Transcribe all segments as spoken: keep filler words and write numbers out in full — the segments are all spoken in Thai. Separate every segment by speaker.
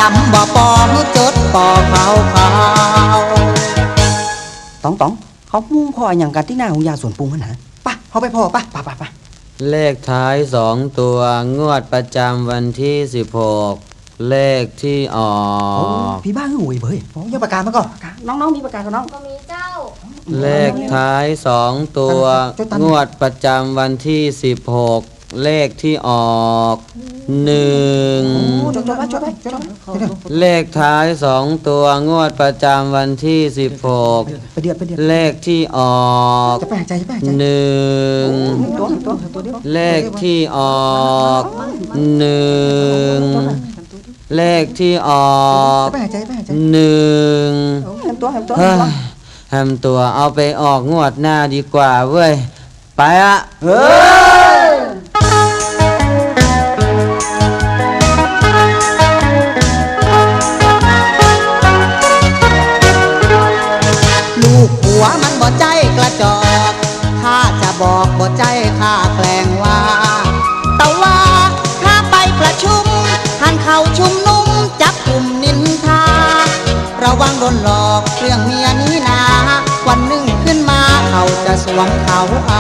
Speaker 1: ำบ่ปองจดปอขาวขาวตองตองเขามุ่งพ่ออย่างกันที่หน้าของยาสวนปรุงมันนะป่ะเขาไปพ่อป่ะป่ะป่ะป่ะ
Speaker 2: เลขท้ายสองตัวงวดประจำวันที่สิบหกเลขที่ออก
Speaker 1: พี่บ้าหวยเบยยังประกาศมาก่อนน้องๆมีประกาศกับน้อง
Speaker 3: ก็มีเจ้า
Speaker 2: เลขท้ายสองตัวงวดประจำวันที่สิบหกเลขที่ออกหนึ่งเลขท้ายสองตัวงวดประจำวันที่สิบหกเลขที่ออกหนึ่งเลขที่ออกหนึ่งเลขที่ออกหนึ่งเฮ้ยแฮมตัวเอาไปออกงวดหน้าดีกว่าเว้ยไปอะเฮ้ย
Speaker 1: ลูกหัวมันบ่ใจกระจอกข้าจะบอกบ่ใจข้าแกล้งว่าแต่ว่าข้าไปประชุมท่านเข้าชุมนุมจับกลุ่มนินทาระวังโดนหลอกเรื่องเมียนี้นาวันหนึ่งขึ้นมาเขาจะสวมเขาเอา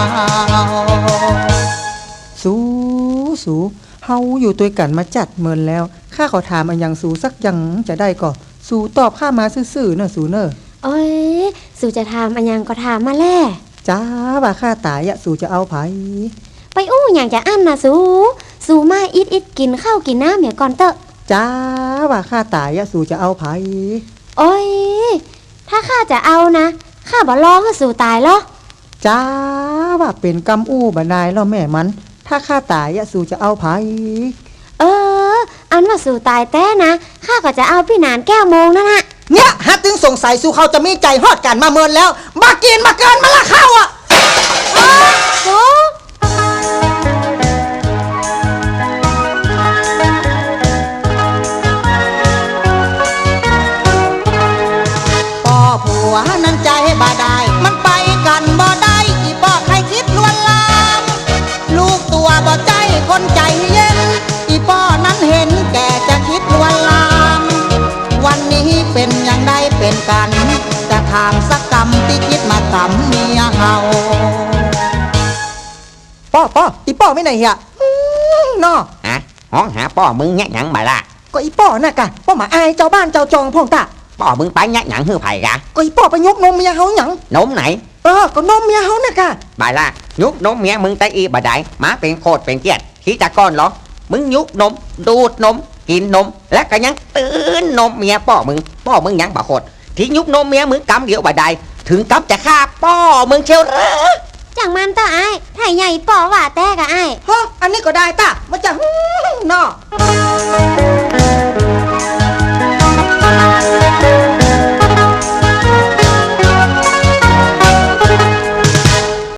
Speaker 4: สูสูเฮาอยู่ตัวกันมาจัดเมินแล้วข้าขอถามอันยังสูสักยังจะได้ก่อสูตอบข้ามาซื่อๆเนอะสูเนอะ
Speaker 3: โอ้ยสูจะถามอันยังก็ถามมาแล่
Speaker 4: จ้าว่าข้าตายอะสูจะเอาไผ
Speaker 3: ไปอู้อย่างจะอั้นนะสูสูมาอิดอิดกินข้าวกินน้ำเมียก่อนเตอะ
Speaker 4: จ้าว่าข้าตายอะสูจะเอาไผ
Speaker 3: โอ้ยถ้าข้าจะเอานะข้าบ่ร้องให้สูตายหรอ
Speaker 4: จ้าว่าเป็นกำอู้บ่นายแล้วแม่มันถ้าข้าตายอะสูจะเอาไผ
Speaker 3: เอออันว่าสูตายแต้นะข้าก็จะเอาพี่นานแก้วโมงนั่นน่ะ
Speaker 1: เนี่ยฮัตตึงสงสัยสูเขาจะมีใจฮอดกันมาเมินแล้วมากินมาเกินมาละเข้าอ่ะ
Speaker 3: สู
Speaker 1: พ่อผัวนั้นใจบ่ได้มันไปกันบ่ได้อีป้อใครคิดลวนลามลูกตัวบ่ใจคนใจเย็นอีป้อนั้นเห็นแก่จะคิดลวนลามวันนี้เป็นอย่างใดเป็นกันจะทางสักกรรมที่คิดมาทำเมียเฮาป้อป้ออีป้อไม่ไหนเฮียนอ
Speaker 5: ฮะห้องหาป้อมึงแง่หยังมาล่ะ
Speaker 1: ก็อีป้อน่ะกะป้อมาอายเจ้าบ้านเจ้าจองพ่องตา
Speaker 5: ป้อมึงไปแง่หยังหื้อไผ่กะ
Speaker 1: ก็อีป้อไปยกนมเมียเฮาหยัง
Speaker 5: นมไหน
Speaker 1: เออก็นมเมียเฮาน่ะกะ
Speaker 5: บ่ายล่ะยุกนมเมียมึงไตอีบ่ได้มาเป็นโคตรเป็นเกียรติขี้ตะก้อนเหรอมึงยุกนมดูดนมกินนมและก็ยังตื่นนมเมียป้อมึงป้อมึงยังบ่โคตรที่ยุกนมเมียมึงกำเดียวบ่ได้ถึงกำจะฆ่าป้อมึงเชียวเหรอ
Speaker 3: จังมันตาไอ้ไถ่ใหญ่ป้อว่าแต่กะไอ้
Speaker 1: ฮะอันนี้ก็ได้ตามาจากนอ